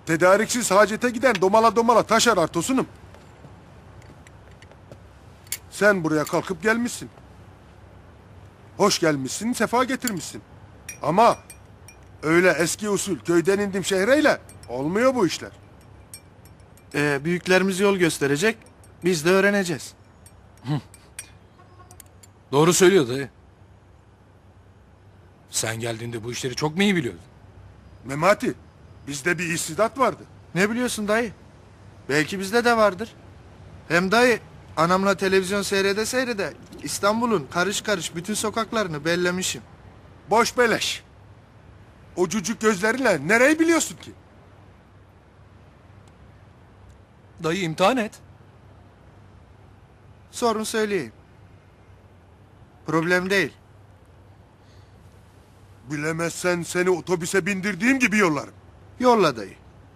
Tedariksiz hacete giden domala domala taş arar Tosunum. Sen buraya kalkıp gelmişsin. Hoş gelmişsin, sefa getirmişsin. Ama öyle eski usul köyden indim şehreyle olmuyor bu işler. Büyüklerimiz yol gösterecek, biz de öğreneceğiz. Doğru söylüyor dayı. Sen geldiğinde bu işleri çok mu iyi biliyordun? Memati, bizde bir istidat vardı. Ne biliyorsun dayı? Belki bizde de vardır. Hem dayı, anamla televizyon seyrede İstanbul'un karış karış bütün sokaklarını bellemişim. Boş beleş. O cücük gözlerinle nereyi biliyorsun ki? Dayı imtihan et. Sorun söyleyeyim. Problem değil. Bilemezsen seni otobüse bindirdiğim gibi yollarım. Yolla dayı.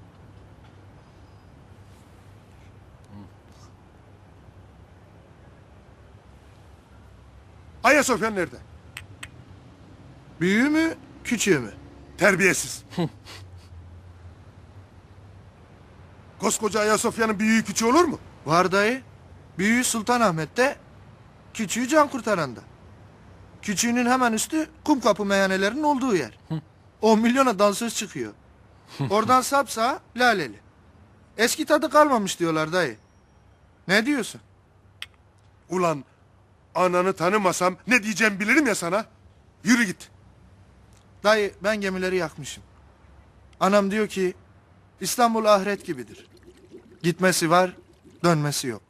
Ayasofya nerede? Büyüğü mü, küçüğü mü? Terbiyesiz. Koskoca Ayasofya'nın büyüğü küçüğü olur mu? Var dayı. Büyüğü Sultanahmet'te, küçüğü Cankkurtaran'da. Küçüğünün hemen üstü Kumkapı meyhanelerinin olduğu yer. 10 milyona dansöz çıkıyor. Oradan sapsağa Laleli. Eski tadı kalmamış diyorlar dayı. Ne diyorsun? Ulan ananı tanımasam ne diyeceğim bilirim ya sana. Yürü git. Dayı ben gemileri yakmışım. Anam diyor ki İstanbul ahiret gibidir. Gitmesi var, dönmesi yok.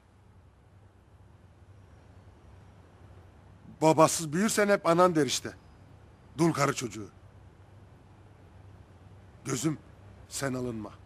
Babasız büyürsen hep anan der işte. Dul karı çocuğu. Gözüm sen alınma.